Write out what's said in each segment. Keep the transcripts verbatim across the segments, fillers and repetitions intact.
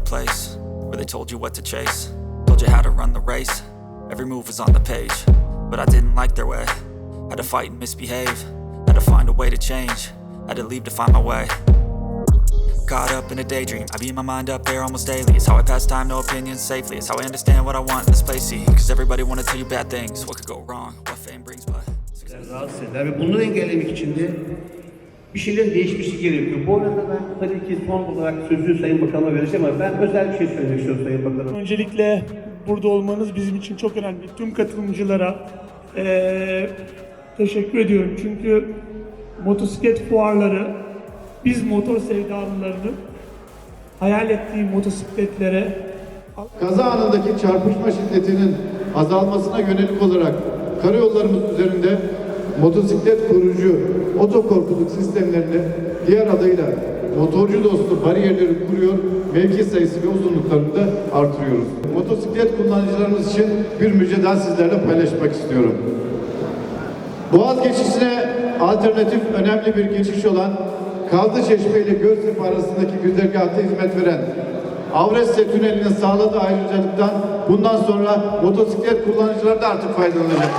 place where they told you what to chase, told you how to run the race. Every move was on the page, but I didn't like their way. Had to fight and misbehave, had to find a way to change, had to leave to find my way. Caught up in a daydream, I beat my mind up there almost daily. It's how I pass time, no opinions safely. It's how I understand what I want in this place, see. Cause everybody wanna tell you bad things, what could go wrong, what fame brings, but rahatsız eder ve bunu engellemek için de bir şeylerin değişmesi gerekiyor. Bu arada ben tabii ki son olarak sözü Sayın Bakan'a vereceğim ama ben özel bir şey söylemek istiyorum Sayın Bakan'a. Öncelikle burada olmanız bizim için çok önemli. Tüm katılımcılara ee, teşekkür ediyorum. Çünkü motosiklet fuarları biz motor sevdalılarının hayal ettiği motosikletlere kaza anındaki çarpışma şiddetinin azalmasına yönelik olarak karayollarımız üzerinde motosiklet koruyucu otokorkuluk sistemlerini diğer adıyla motorcu dostu bariyerleri kuruyor, mevki sayısı ve uzunluklarını da artırıyoruz. Motosiklet kullanıcılarımız için bir müjde sizlerle paylaşmak istiyorum. Boğaz geçişine alternatif önemli bir geçiş olan Kazlıçeşme ile Göztepe arasındaki güzergahta hizmet veren Avrasya Tüneli'nin sağladığı ayrıcalıktan bundan sonra motosiklet kullanıcıları da artık faydalanacak.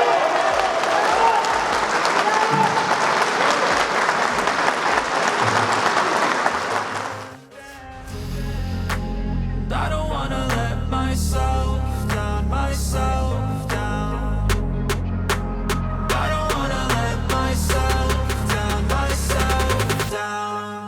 I don't wanna let myself down, myself down. I don't wanna let myself down, myself down.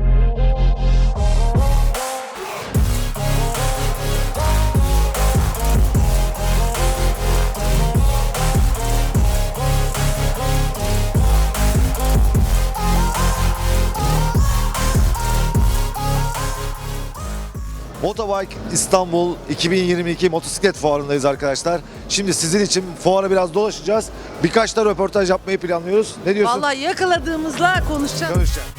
Motobike İstanbul iki bin yirmi iki motosiklet fuarındayız arkadaşlar. Şimdi sizin için fuara biraz dolaşacağız. Birkaç da röportaj yapmayı planlıyoruz. Ne diyorsun? Vallahi yakaladığımızla konuşacağız. Görüşeceğiz.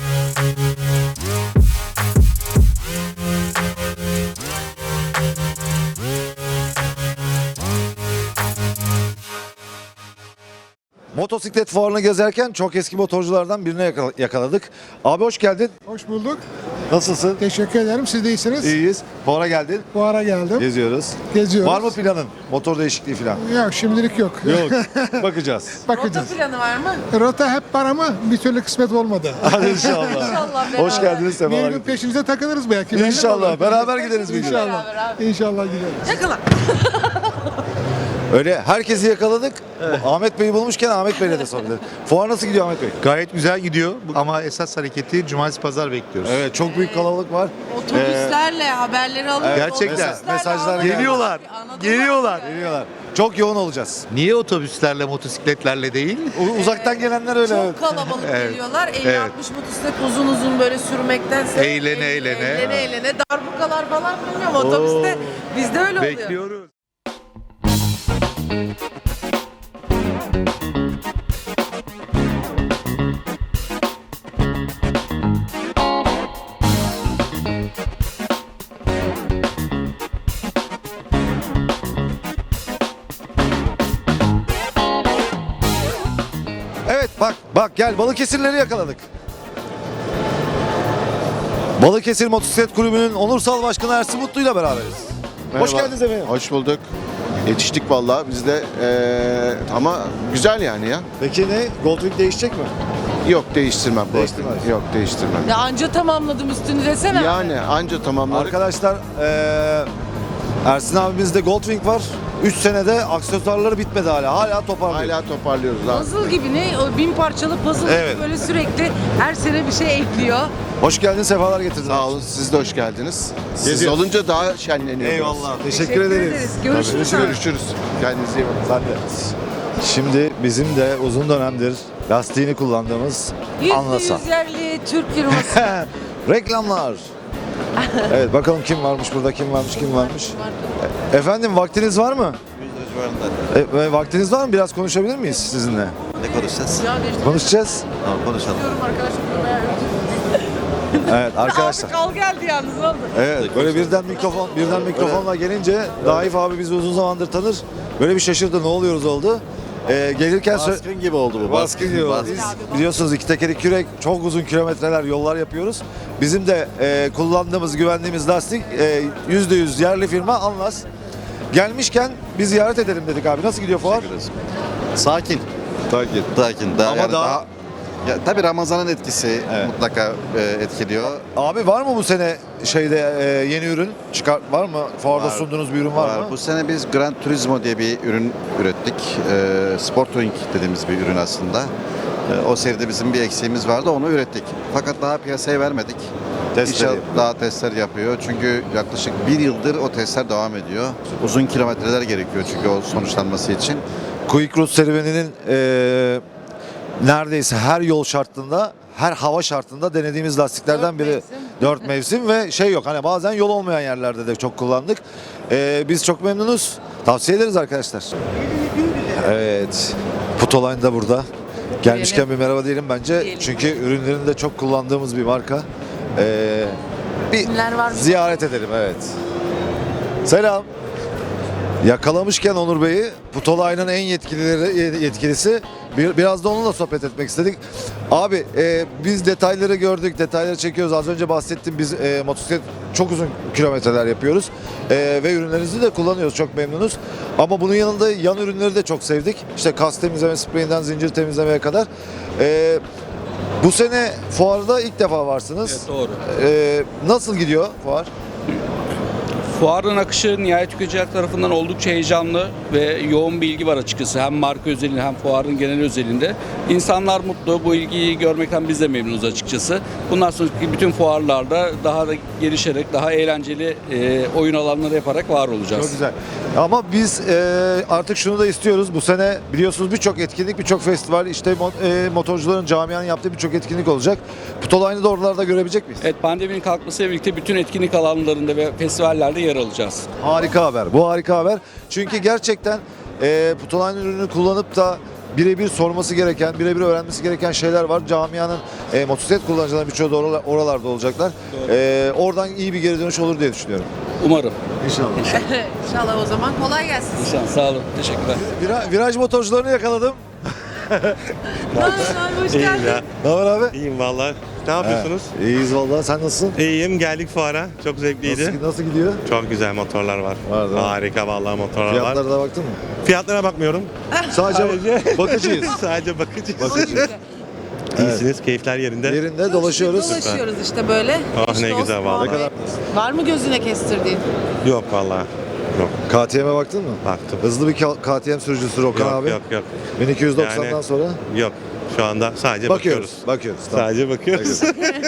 Motosiklet fuarını gezerken çok eski motorculardan birine yakala- yakaladık. Abi hoş geldin. Hoş bulduk. Nasılsın? Teşekkür ederim. Siz de iyisiniz. İyiyiz. Fuara geldin. Bu ara geldim. Geziyoruz. Geziyoruz. Var mı planın? Motor değişikliği falan? Yok, şimdilik yok. Yok. Bakacağız. Rota Bakacağız. planı var mı? Rota hep var ama bir türlü kısmet olmadı. Hadi inşallah. İnşallah beraber. Hoş geldiniz. Bir Sefalar gün getirdiniz. peşinize takılırız belki. Belli İnşallah. olur. Beraber gideriz bir gün. İnşallah. Beraber abi. İnşallah gideriz. Yakala. Öyle herkesi yakaladık. Bu Ahmet Bey'i bulmuşken Ahmet Bey'le de sorabilirim. Fuar nasıl gidiyor Ahmet Bey? Gayet güzel gidiyor ama esas hareketi cumartesi pazar bekliyoruz. Evet, çok büyük kalabalık var. Otobüslerle haberleri alıyoruz. Gerçekten. otobüslerle Mesajlar alıyoruz. Geliyorlar, Anadolu geliyorlar. var ya. Geliyorlar. Çok yoğun olacağız. Niye otobüslerle, motosikletlerle değil? U- Uzaktan gelenler öyle. Çok kalabalık Evet. geliyorlar. elli Evet. altmış motosiklet uzun uzun böyle sürmektense Eğlene, eğlene. eğlene eğlene darbukalar falan bilmiyorum otobüste bizde öyle oluyor. Bekliyoruz. Evet bak bak gel Balıkesirleri yakaladık. Balıkesir Motosiklet Kulübü'nün onursal başkanı Ersin Mutlu ile beraberiz. Hoş Merhaba. geldiniz efendim. Hoş bulduk. Yetiştik vallahi biz de eee, ama güzel yani ya. Peki ne? Goldwing değişecek mi? Yok değiştirmem. bu Değiştirmez. arada. Yok değiştirmem. Ya anca tamamladım üstünü desene. Yani anca tamamladık. Arkadaşlar eee Ersin abimizde Goldwing var. üç senede aksesuarları bitmedi hala. Hala toparlıyor. Hala toparlıyoruz abi. Puzzle gibi ne? O bin parçalı puzzle Evet. gibi böyle sürekli her sene bir şey ekliyor. Hoş geldin, sefalar getirdin. Sağ olun siz de hoş geldiniz. Siz Geziyoruz. olunca daha şenleniyor. Eyvallah. Teşekkür, Teşekkür ederiz. ederiz. Görüşürüz. Görüşürüz. abi. Görüşürüz. Kendinize iyi bakın. Sen de. Şimdi bizim de uzun dönemdir lastiğini kullandığımız Yüzde Anlasa. yüz yerli Türk firması. Reklamlar. Evet bakalım kim varmış burada, kim varmış, kim varmış. Efendim vaktiniz var mı? E, e, vaktiniz var mı? Biraz konuşabilir miyiz sizinle? Ne konuşacağız? Ya geçti. Konuşacağız. Tamam konuşalım. Diyorum arkadaşım buraya. Evet arkadaşlar. Abi kal geldi yalnız ne oldu? Evet böyle birden mikrofon birden mikrofonla gelince Daif abi bizi uzun zamandır tanır. Böyle bir şaşırdı, ne oluyoruz oldu. e, gelirken sö- Baskın gibi oldu bu. Baskın gibi oldu. Biz biliyorsunuz iki tekeri kürek çok uzun kilometreler yollar yapıyoruz. Bizim de e, kullandığımız, güvendiğimiz lastik e, yüzde yüz yerli firma Anlas. Gelmişken bir ziyaret edelim dedik abi. Nasıl gidiyor fuar? Sakin. Sakin. Sakin. Daha, Ama yani daha- daha... Ya, tabii Ramazan'ın etkisi Evet. mutlaka e, etkiliyor. Abi var mı bu sene şeyde e, yeni ürün çıkar var mı? Fuarda Var. sunduğunuz bir ürün var, mı? Bu sene biz Gran Turismo diye bir ürün ürettik. E, Sport Touring dediğimiz bir ürün aslında. E, o seride bizim bir eksiğimiz vardı, onu ürettik. Fakat daha piyasaya vermedik. Testleri İnşallah yapıyor. daha testler yapıyor. Çünkü yaklaşık bir yıldır o testler devam ediyor. Uzun kilometreler gerekiyor çünkü o sonuçlanması için. Quick Route serüveninin e, neredeyse her yol şartında, her hava şartında denediğimiz lastiklerden Dört biri. mevsim. Dört mevsim ve şey yok hani bazen yol olmayan yerlerde de çok kullandık. E, biz çok memnunuz. Tavsiye ederiz arkadaşlar. Evet. Putoline da burada. Gelmişken bir merhaba diyelim bence. Diyelim. Çünkü ürünlerini de çok kullandığımız bir marka. E, bir İsimler var mı? ziyaret edelim evet. Selam. Yakalamışken Onur Bey'i, Putoline'ın en yetkilileri, yetkilisi, bir, biraz da onunla sohbet etmek istedik. Abi e, biz detayları gördük, detayları çekiyoruz. Az önce bahsettim, biz e, motosiklet çok uzun kilometreler yapıyoruz. E, ve ürünlerinizi de kullanıyoruz, çok memnunuz. Ama bunun yanında yan ürünleri de çok sevdik. İşte kas temizleme spreyinden zincir temizlemeye kadar. E, bu sene fuarda ilk defa varsınız. Evet, doğru. E, nasıl gidiyor fuar? Fuarın akışı nihayet tüketiciler tarafından oldukça heyecanlı ve yoğun bir ilgi var açıkçası. Hem marka özelinde hem fuarın genel özelinde. İnsanlar mutlu. Bu ilgiyi görmekten biz de memnunuz açıkçası. Bundan sonraki bütün fuarlarda daha da gelişerek, daha eğlenceli e, oyun alanları yaparak var olacağız. Çok güzel. Ama biz e, artık şunu da istiyoruz. Bu sene biliyorsunuz birçok etkinlik, birçok festival, işte mo- e, motorcuların, camianın yaptığı birçok etkinlik olacak. Putoline'ı da oralarda görebilecek miyiz? Evet, pandeminin kalkmasıyla birlikte bütün etkinlik alanlarında ve festivallerde yer alacağız. Harika haber. Bu harika haber. Çünkü gerçekten e, Putoline ürünü kullanıp da birebir sorması gereken, birebir öğrenmesi gereken şeyler var. Camianın e, motosiklet kullanıcılarının birçoğu da oralar- oralarda olacaklar. E, oradan iyi bir geri dönüş olur diye düşünüyorum. Umarım. İnşallah. İnşallah o zaman kolay gelsin. İnşallah. Sağ olun. Teşekkürler. Vira- viraj motorcularını yakaladım. Nasılsın? Hoş geldin. Ne haber abi? İyiyim valla. Ne yapıyorsunuz? İyiyiz vallahi. Sen nasılsın? İyiyim. Geldik fuara. Çok zevkliydi. Nasıl, nasıl gidiyor? Çok güzel motorlar var. Var, değil mi? Harika vallahi motorlar var. Fiyatlara da baktın mı? Fiyatlara bakmıyorum. Sadece bakıcıyız. Sadece bakıcıyız. Bakıcıyız. İyisiniz. Keyifler yerinde. Yerinde dolaşıyoruz. Dolaşıyoruz işte böyle. Ah, İşte ne o güzel vallahi. Ne kadar? Var mı gözüne kestirdiğin? Yok vallahi. Yok. K T M'e baktın mı? Baktım. Hızlı bir K- K T M sürücüsü Rokan Yok, abi. yok yok. bin iki yüz doksandan Yani- sonra Yok. Şu anda sadece bakıyoruz. bakıyoruz. Bakıyoruz. Tamam. Sadece bakıyoruz.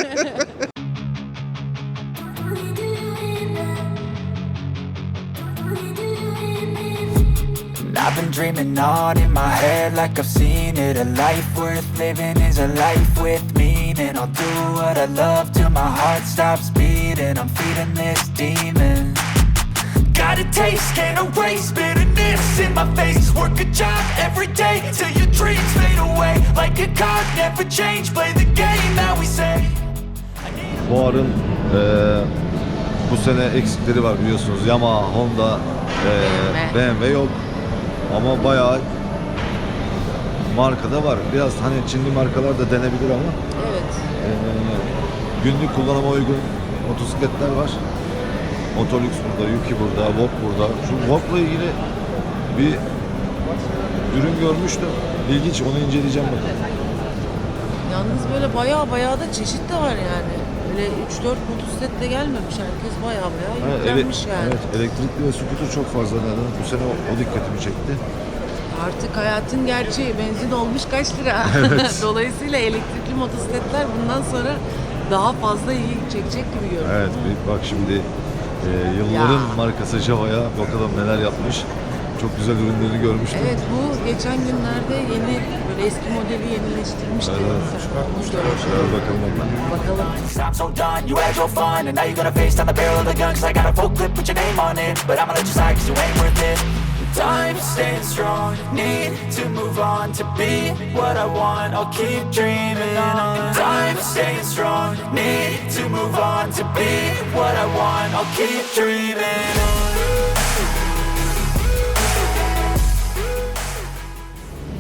I've been dreaming on in my head like I've seen it. A life worth living is a life with meaning. I'll do what I love till my heart stops beating. I'm feeding this demon. Got a taste, can't erase bitterness in my face. Work a job every day till your dreams fade away. Like a card, never change. Play the game that we say. Fuarın eee bu sene eksikleri var biliyorsunuz. Yamaha, Honda, eee, B M W yok. Ama bayağı markada var. Biraz hani Çinli markalar da denebilir ama Evet. eee, günlük kullanıma uygun motosikletler var. Motolux burada, Yuki burada, Vok burada. Şu Vok'la ilgili bir ürün görmüştüm. İlginç, onu inceleyeceğim bakalım. Yalnız böyle bayağı bayağı da çeşit de var yani. Böyle üç dört motosiklet de gelmemiş. Herkes bayağı bayağı Evet, yüklenmiş ele- yani. evet, elektrikli ve scooter çok fazla neden. Bu sene o, o dikkatimi çekti. Artık hayatın gerçeği, benzin olmuş kaç lira. Dolayısıyla elektrikli motosikletler bundan sonra daha fazla ilgi çekecek gibi görünüyor. Evet, bir bak şimdi e, yılların Ya. markası Java'ya bakalım neler yapmış. Çok güzel ürünlerini görmüştüm. Evet, bu geçen günlerde yeni böyle eski modeli yenileştirmişti. Evet. Onu görmüş. Biraz bakalım ondan. Bakalım. I'm so done, you had your fun. And now you're gonna face down the barrel of the gun. Cause I got a full clip with your name on it. But I'ma let you slide cause you ain't worth it. Time staying strong, need to move on. To be what I want, I'll keep dreaming on. Time staying strong, need to move on. To be what I want, I'll keep dreaming on.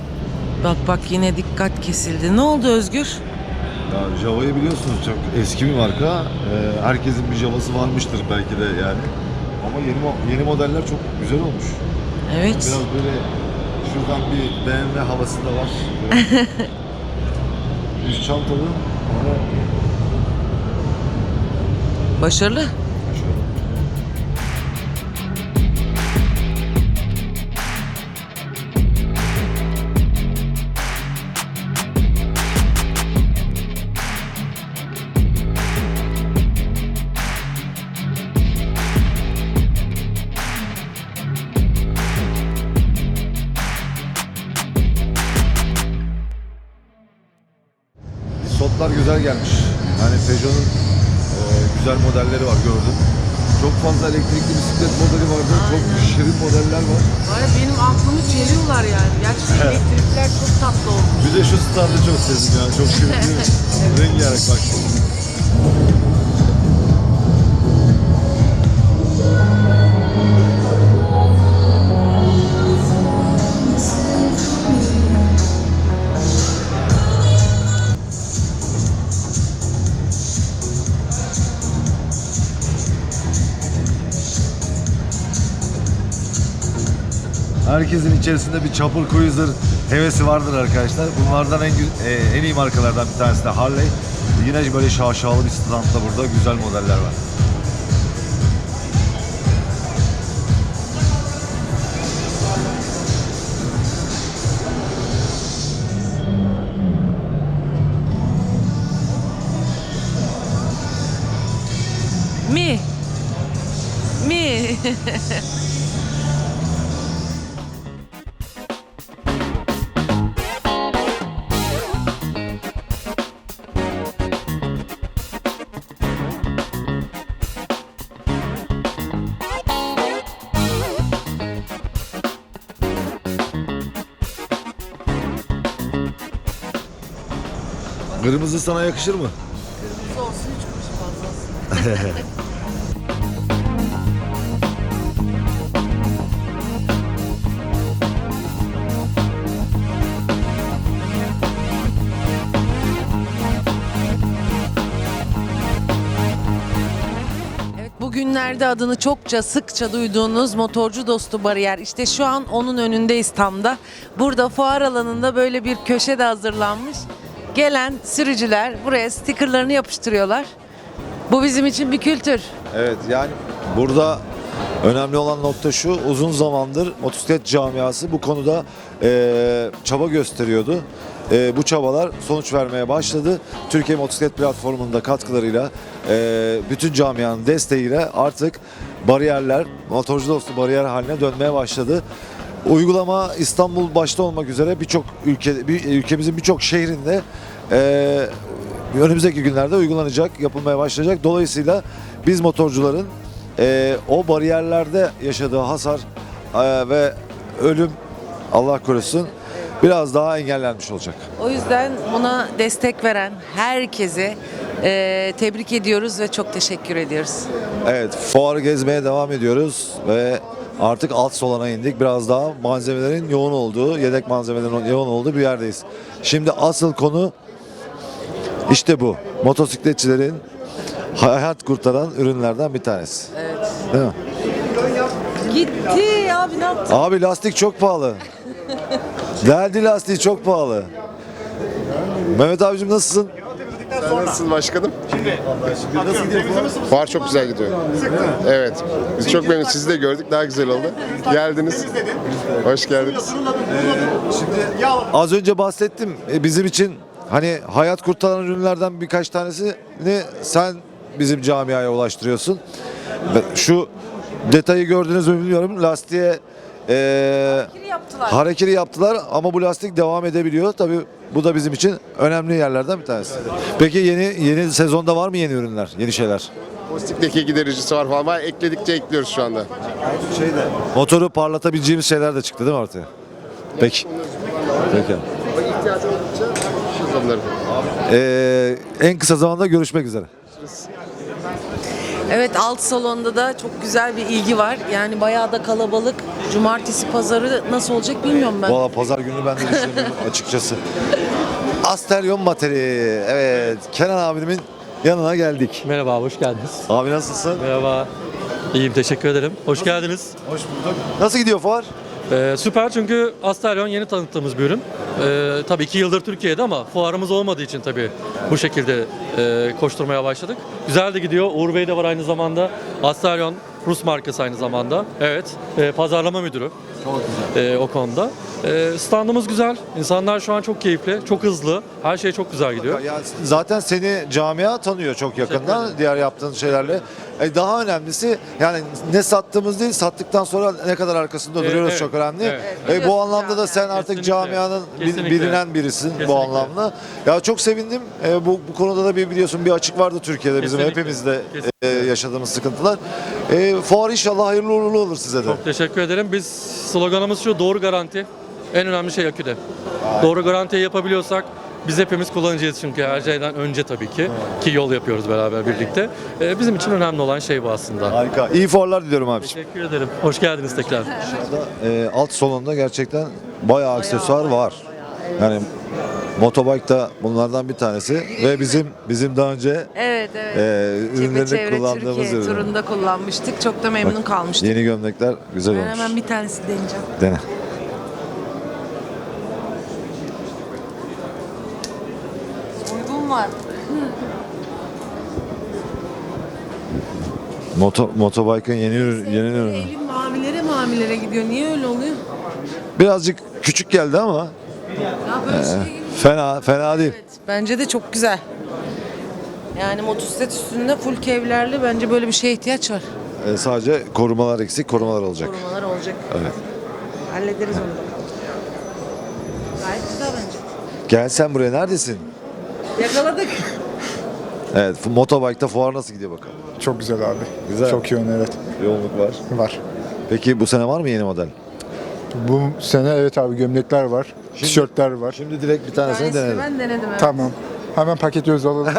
Bak bak yine dikkat kesildi. Ne oldu Özgür? Ya Java'yı biliyorsunuz, çok eski bir marka. Ee, herkesin bir Java'sı varmıştır belki de yani. Ama yeni mo- yeni modeller çok güzel olmuş. Evet. Biraz böyle şuradan bir B M W havası da var. Üst çantalı ama Başarılı. Sotlar güzel gelmiş. Yani Peugeot'un e, güzel modelleri var, gördüm. Çok fazla elektrikli bisiklet modeli vardı. Çok şirin modeller var. Var ya, benim aklımı çeliyorlar yani. Gerçekten elektrikler çok tatlı olmuş. Bir de şu standı çok sevdim ya. Çok şirin değil mi? Rengarenk bak. Herkesin içerisinde bir chopper cruiser hevesi vardır arkadaşlar. Bunlardan en gü- e, en iyi markalardan bir tanesi de Harley. Yine böyle şaşalı bir standta burada güzel modeller var. Mi? Mi? Kırmızı sana yakışır mı? Kırmızı olsun, üç kuruş fazla olsun. Evet, bugünlerde adını çokça sıkça duyduğunuz motorcu dostu bariyer. İşte şu an onun önündeyiz tam da. Burada fuar alanında böyle bir köşe de hazırlanmış. Gelen sürücüler buraya stickerlarını yapıştırıyorlar. Bu bizim için bir kültür. Evet, yani burada önemli olan nokta şu: uzun zamandır motosiklet camiası bu konuda e, çaba gösteriyordu. E, bu çabalar sonuç vermeye başladı. Türkiye Motosiklet Platformu'nun da katkılarıyla, e, bütün camianın desteğiyle artık bariyerler, motorcu dostu bariyer haline dönmeye başladı. Uygulama İstanbul başta olmak üzere birçok ülke, bir, ülkemizin birçok şehrinde e, önümüzdeki günlerde uygulanacak, yapılmaya başlayacak. Dolayısıyla biz motorcuların e, o bariyerlerde yaşadığı hasar e, ve ölüm, Allah korusun, biraz daha engellenmiş olacak. O yüzden buna destek veren herkese e, tebrik ediyoruz ve çok teşekkür ediyoruz. Evet, fuarı gezmeye devam ediyoruz ve artık alt solana indik. Biraz daha malzemelerin yoğun olduğu, yedek malzemelerin yoğun olduğu bir yerdeyiz. Şimdi asıl konu işte bu. Motosikletçilerin hayat kurtaran ürünlerden bir tanesi. Evet. Değil mi? Gitti abi, ne yaptın? Abi lastik çok pahalı. Deldi lastiği çok pahalı. Mehmet abicim nasılsın? Sen nasılsın başkanım? Nasıl gidiyor fuar? Fuar çok güzel gidiyor. Evet. Biz çok memnunuz. Sizi de gördük. Daha güzel oldu. Geldiniz. Hoş geldiniz. Şimdi az önce bahsettim. E, bizim için hani hayat kurtaran ürünlerden birkaç tanesini sen bizim camiaya ulaştırıyorsun. Ve şu detayı gördünüz mü bilmiyorum. Lastiğe e, Yaptılar. hareketi yaptılar ama bu lastik devam edebiliyor. Tabii bu da bizim için önemli yerlerden bir tanesi. Peki yeni yeni sezonda var mı yeni ürünler, yeni şeyler? Pozitif leke gidericisi var falan. Var. Ekledikçe ekliyoruz şu anda. Şeyde. Motoru parlatabileceğimiz şeyler de çıktı değil mi ortaya? Peki. Peki. İhtiyacı oldukça şişiz onları. Ee, en kısa zamanda görüşmek üzere. Evet, alt salonda da çok güzel bir ilgi var. Yani bayağı da kalabalık. Cumartesi pazarı nasıl olacak bilmiyorum ben. Valla pazar günü ben de düşünüyorum açıkçası. Asterion Materi. Evet, Kenan abimin yanına geldik. Merhaba, hoş geldiniz. Abi nasılsın? Merhaba. İyiyim, teşekkür ederim. Hoş geldiniz. Hoş bulduk. Nasıl gidiyor fuar? Ee, süper çünkü Asterion yeni tanıttığımız bir ürün. Ee, tabii iki yıldır Türkiye'de ama fuarımız olmadığı için tabii bu şekilde e, koşturmaya başladık. Güzel de gidiyor. Uğur Bey de var aynı zamanda. Asterion Rus markası aynı zamanda. Evet, e, pazarlama müdürü. Çok güzel. E, o konuda. E, standımız güzel. İnsanlar şu an çok keyifli, çok hızlı. Her şey çok güzel gidiyor. Ya zaten seni camia tanıyor çok yakından diğer yaptığın şeylerle. E, daha önemlisi yani ne sattığımız değil, sattıktan sonra ne kadar arkasında Evet, duruyoruz evet, çok önemli. evet. E, bu anlamda da sen artık Kesinlikle. camianın bil- Kesinlikle. bilinen birisin Kesinlikle. bu anlamda. Ya çok sevindim. E, bu bu konuda da bir biliyorsun bir açık vardı Türkiye'de bizim Kesinlikle. hepimizde Kesinlikle. e, yaşadığımız sıkıntılar. E, fuar inşallah hayırlı uğurlu olur size de. Çok teşekkür ederim. Biz sloganımız şu: doğru garanti. En önemli şey aküde. Doğru garantiyi yapabiliyorsak biz hepimiz kullanacağız çünkü her şeyden önce tabii ki ki yol yapıyoruz beraber birlikte. Ee, bizim için önemli olan şey bu aslında. Harika. İyi fuarlar diliyorum abiciğim. Teşekkür ederim. Hoş geldiniz tekrar. E, alt salonda gerçekten bayağı aksesuar var. Yani motobike da bunlardan bir tanesi ve bizim bizim daha önce Evet, evet. e, Çevre ürünlerini Çevre kullandığımız Türkiye ürün. turunda kullanmıştık. Çok da memnun kalmıştık. Yeni gömlekler güzel Ben olmuş. hemen bir tanesi deneyeceğim. Dene. Uygun var. Moto, motobike'ın yeni ürün, yeni ürünü. Elim mavilere mavilere gidiyor. Niye öyle oluyor? Birazcık küçük geldi ama Ya böyle şey gibi. fena fena değil. Evet, bence de çok güzel. Yani motosiklet üstünde full kevlerli, bence böyle bir şeye ihtiyaç var. E, sadece korumalar eksik, korumalar olacak. Korumalar olacak. Evet. Hallederiz onu da. Gayet güzel bence. Gel sen buraya, neredesin? Yakaladık. Evet, fu- motobike'da fuar nasıl gidiyor bakalım? Çok güzel abi. Güzel. Çok yoğun, evet. Yoğunluk var. Var. Peki bu sene var mı yeni model? Bu sene evet abi, gömlekler var. Tişörtler var. Şimdi direkt bir tanesini Tanesini denedim. ben denedim. Evet. Tamam. Hemen paketliyoruz, alalım.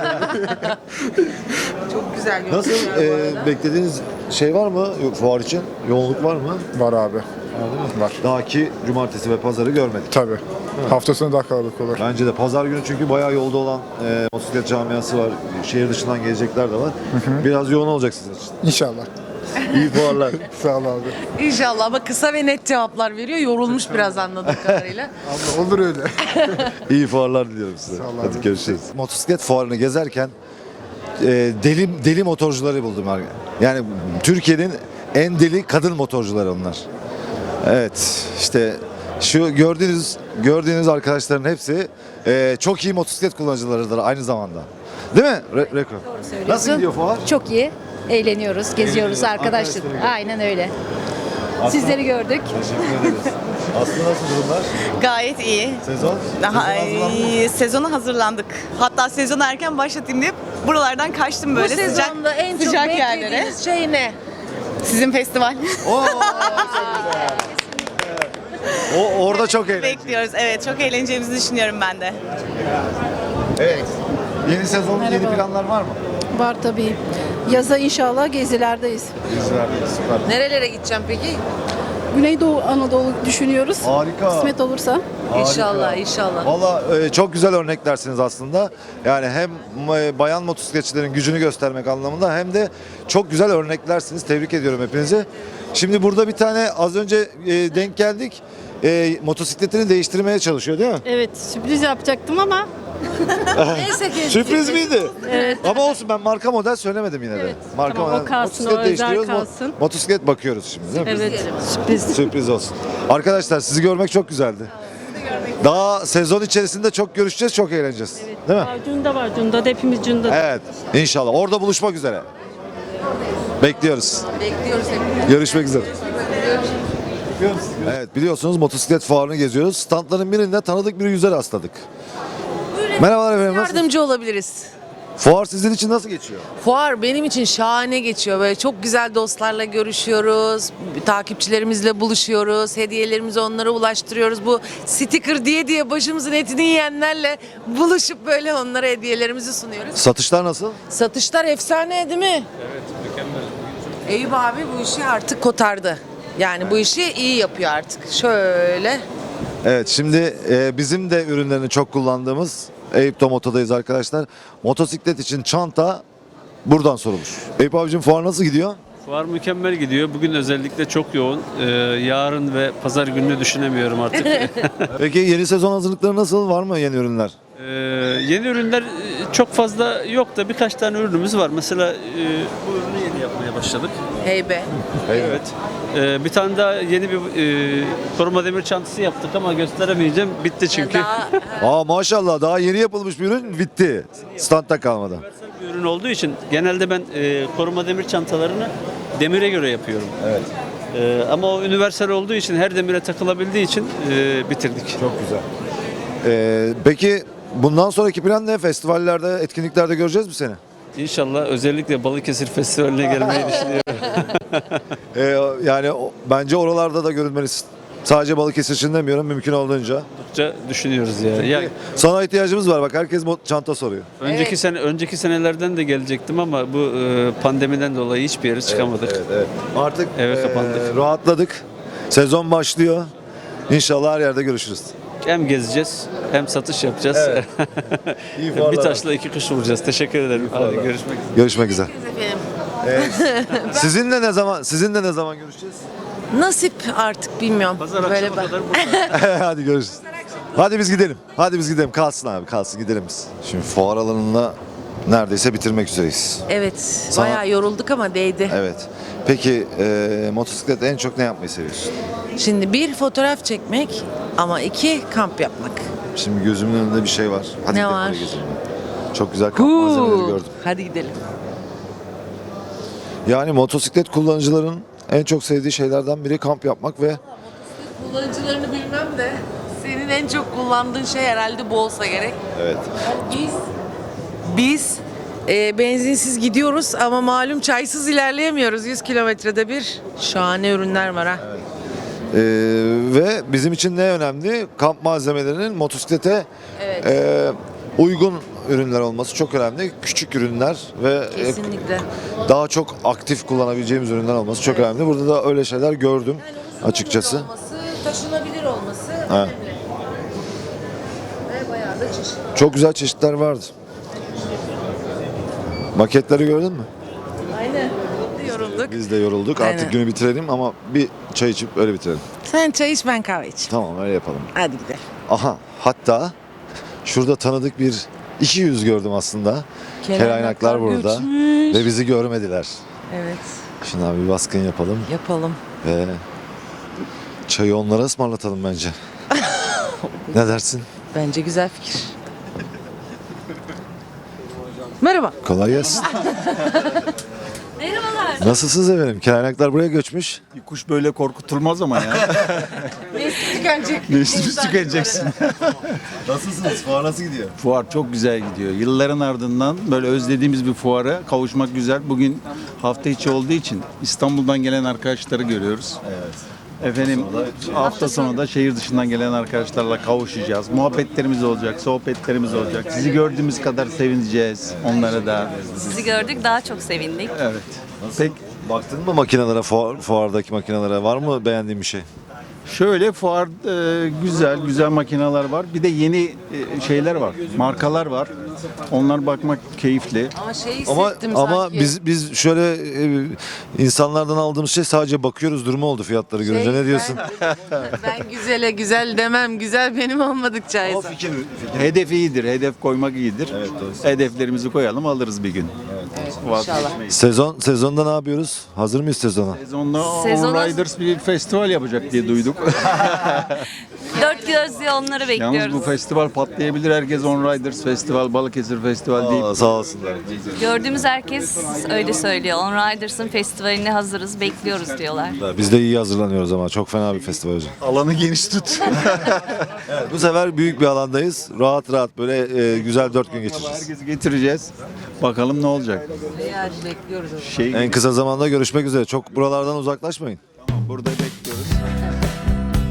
Çok güzel Nasıl? görünüyor bu e, arada. beklediğiniz şey var mı Yo- fuar için? Yoğunluk var mı? Var abi. Var. Daha ki cumartesi ve pazarı görmedik. Tabii. Hafta sonu daha kalabalık olur. Bence de pazar günü çünkü bayağı yolda olan e, motosiklet camiası var. Şehir dışından gelecekler de var. Biraz yoğun olacak sizin için. İnşallah. İyi fuarlar. Sağ ol abi. İnşallah, ama kısa ve net cevaplar veriyor. Yorulmuş biraz anladığım kadarıyla. Abi olur öyle. İyi fuarlar diliyorum size. Sağ ol Hadi abi. görüşürüz. Motosiklet fuarını gezerken e, deli deli motorcuları buldum. Yani Türkiye'nin en deli kadın motorcuları onlar. Evet, işte şu gördüğünüz gördüğünüz arkadaşların hepsi e, çok iyi motosiklet kullanıcılarıdır aynı zamanda. Değil mi? Re- Rekor. Nasıl gidiyor fuar? Çok iyi. Eğleniyoruz, geziyoruz arkadaşlar. Arkadaşları Aynen öyle. Sizleri gördük. Teşekkür ederiz. Aslı nasıl durumlar? Gayet iyi. Sezon? Daha Sezona hazırlandınız mı? iyi. Sezona hazırlandık. Hatta sezonu erken başlatayım diye buralardan kaçtım böyle Bu sıcak sezonda en çok sıcak yerlere. beklediğiniz şey ne? Sizin festival. Oo, çok güzel. O orada çok eğlenceli. Bekliyoruz. Evet, çok eğleneceğimizi düşünüyorum ben de. Evet. Yeni sezon yeni planlar var mı? Var tabii. Yaza inşallah gezilerdeyiz. Gezilerdeyiz, süper. Nerelere gideceğim peki? Güneydoğu Anadolu düşünüyoruz. Harika. Kısmet olursa. Harika. İnşallah, inşallah. Valla e, çok güzel örneklersiniz aslında. Yani hem e, bayan motosikletçilerin gücünü göstermek anlamında hem de çok güzel örneklersiniz. Tebrik ediyorum hepinizi. Şimdi burada bir tane az önce e, denk geldik. E, motosikletini değiştirmeye çalışıyor değil mi? Evet, sürpriz yapacaktım ama Neyse ki. Sürpriz miydi? Evet. Ama olsun, ben marka model söylemedim yine de. Evet, Marka tamam, o model. kalsın, Motosiklet o özel değiştiriyoruz, mo- kalsın. Motosiklet bakıyoruz şimdi değil mi? evet, sürpriz. Sürpriz olsun. Arkadaşlar sizi görmek çok güzeldi. Daha sezon içerisinde çok görüşeceğiz, çok eğleneceğiz. Değil mi? Cunda var, Cunda da hepimiz Cunda. Evet. İnşallah. Orada buluşmak üzere. Bekliyoruz. Bekliyoruz hep. Görüşmek üzere. Evet, biliyorsunuz motosiklet fuarını geziyoruz. Standların birinde tanıdık bir yüze rastladık. Merhabalar efendim. Nasılsınız? Yardımcı olabiliriz. Fuar sizin için nasıl geçiyor? Fuar benim için şahane geçiyor. Böyle çok güzel dostlarla görüşüyoruz. Takipçilerimizle buluşuyoruz. Hediyelerimizi onlara ulaştırıyoruz. Bu sticker diye diye başımızın etini yiyenlerle buluşup böyle onlara hediyelerimizi sunuyoruz. Satışlar nasıl? Satışlar efsane değil mi? Evet, mükemmel. Eyüp abi bu işi artık kotardı. Yani bu işi iyi yapıyor artık. Şöyle. Evet, şimdi e, bizim de ürünlerini çok kullandığımız Eyüp Moto'dayız arkadaşlar. Motosiklet için çanta buradan sorulur. Eyüp abicim, fuar nasıl gidiyor? Fuar mükemmel gidiyor. Bugün özellikle çok yoğun. Ee, yarın ve pazar gününü düşünemiyorum artık. Peki yeni sezon hazırlıkları nasıl? Var mı yeni ürünler? Ee, yeni ürünler e, çok fazla yok da birkaç tane ürünümüz var. Mesela e, bu ürünü yeni yapmaya başladık. Heybe. Evet. Ee, bir tane daha yeni bir e, koruma demir çantası yaptık ama gösteremeyeceğim. Bitti çünkü. Aa maşallah, daha yeni yapılmış bir ürün bitti. Standta kalmadı. Bir ürün olduğu için genelde ben e, koruma demir çantalarını demire göre yapıyorum. Evet. E, ama o üniversal olduğu için, her demire takılabildiği için e, bitirdik. Çok güzel. Ee, peki bundan sonraki plan ne? Festivallerde, etkinliklerde göreceğiz mi seni? İnşallah özellikle Balıkesir Festivali'ne gelmeyi düşünüyorum. Ee, yani o- bence oralarda da görünmelisin. Sadece Balıkesir için demiyorum, mümkün olduğunca. Oldukça düşünüyoruz ya. ya Sana ihtiyacımız var, bak herkes mo- çanta soruyor. önceki sene önceki senelerden de gelecektim ama bu e, pandemiden dolayı hiçbir yere çıkamadık. Evet, evet. Artık Eve e, kapandık. rahatladık. Sezon başlıyor. İnşallah her yerde görüşürüz. Hem gezeceğiz hem satış yapacağız. Evet. İyi bir fuarlar. taşla iki kuş vuracağız. Teşekkür ederim. Hadi görüşmek üzere. Görüşmek üzere. Efendim. Sizinle ne zaman sizinle ne zaman görüşeceğiz? Nasip artık bilmiyorum. Pazar Böyle akşama bak. kadar burada. Hadi görüşürüz. Hadi biz gidelim. Hadi biz gidelim. Kalsın abi, kalsın, gidelim biz. Şimdi fuar alanında neredeyse bitirmek üzereyiz. Evet. Sana- Bayağı yorulduk ama değdi. Evet. Peki e, motosikletle en çok ne yapmayı seviyorsun? Şimdi bir fotoğraf çekmek ama iki kamp yapmak. Şimdi gözümün önünde bir şey var. Hadi Ne gidelim, var? oraya gezelim. Çok güzel kamp malzemeleri gördüm. Hadi gidelim. Yani motosiklet kullanıcıların en çok sevdiği şeylerden biri kamp yapmak ve Kullanıcılarını bilmem de senin en çok kullandığın şey herhalde bu olsa gerek. evet. Biz biz e, benzinsiz gidiyoruz ama malum çaysız ilerleyemiyoruz. yüz kilometrede bir şahane ürünler var ha. Ee, ve bizim için ne önemli? Kamp malzemelerinin motosiklete Evet. e, uygun ürünler olması çok önemli. Küçük ürünler ve e, Kesinlikle. daha çok aktif kullanabileceğimiz ürünler olması çok önemli. Burada da öyle şeyler gördüm açıkçası. Olması, taşınabilir olması Evet. önemli. Ve bayağı da çeşitli. Çok güzel çeşitler vardı. Maketleri gördün mü? Aynen. Yorulduk. Biz de yorulduk. Artık Aynen. günü bitirelim ama bir çay içip öyle bitirelim. Sen çay iç, ben kahve iç. Tamam, öyle yapalım. Hadi gidelim. Aha, hatta şurada tanıdık bir iki yüz gördüm aslında. Kelaynaklar Kelaynaklar burada göçmüş. ve bizi görmediler. Evet. Şimdi abi bir baskın yapalım Yapalım. ve çayı onlara ısmarlatalım bence. Ne dersin? Bence güzel fikir. Merhaba. Kolay gelsin. Merhabalar. Nasılsınız efendim? Kelaynaklar buraya göçmüş. Bir kuş böyle korkutulmaz ama ya. Nesli tükenecek. Nesli tükeneceksin. Nasılsınız? Fuar nasıl gidiyor? Fuar çok güzel gidiyor. Yılların ardından böyle özlediğimiz bir fuara kavuşmak güzel. Bugün hafta içi olduğu için İstanbul'dan gelen arkadaşları görüyoruz. Evet. Efendim hafta sonu da şehir dışından gelen arkadaşlarla kavuşacağız. Muhabbetlerimiz olacak, sohbetlerimiz olacak. Sizi gördüğümüz kadar sevineceğiz onlara da. Sizi gördük, daha çok sevindik. Evet. Peki baktın mı makinelere, fuar, fuardaki makinelere? Var mı beğendiğin bir şey? Şöyle fuar e, güzel, güzel makineler var. Bir de yeni e, şeyler var, markalar var. Onlar bakmak keyifli. Ama şey Ama hissettim ama sanki. biz biz şöyle e, insanlardan aldığımız şey sadece bakıyoruz durumu oldu fiyatları görünce. Şey, Ne diyorsun? Ben, ben güzele güzel demem. Güzel benim olmadıkça. O fikir, fikir. Hedef iyidir, hedef koymak iyidir. Evet, doğru. Hedeflerimizi koyalım, alırız bir gün. İnşallah. Sezon sezonda ne yapıyoruz? Hazır mıyız sezona? Sezonda Sezona- On Riders bir festival yapacak diye duyduk. Dört gözle onları bekliyoruz. Yalnız bu festival patlayabilir. Herkes On Riders Festival, Balıkesir Festival deyip. Aa, sağ olsunlar. Gördüğümüz herkes öyle söylüyor. On Riders'ın festivaline hazırız, bekliyoruz diyorlar. Biz de iyi hazırlanıyoruz ama çok fena bir festival hocam. Alanı geniş tut. Evet, bu sefer büyük bir alandayız. Rahat rahat böyle e, güzel dört gün geçireceğiz. Herkesi getireceğiz. Bakalım ne olacak. Yani bekliyoruz. Şey En kısa zamanda görüşmek üzere. Çok buralardan uzaklaşmayın. burada bekliyoruz.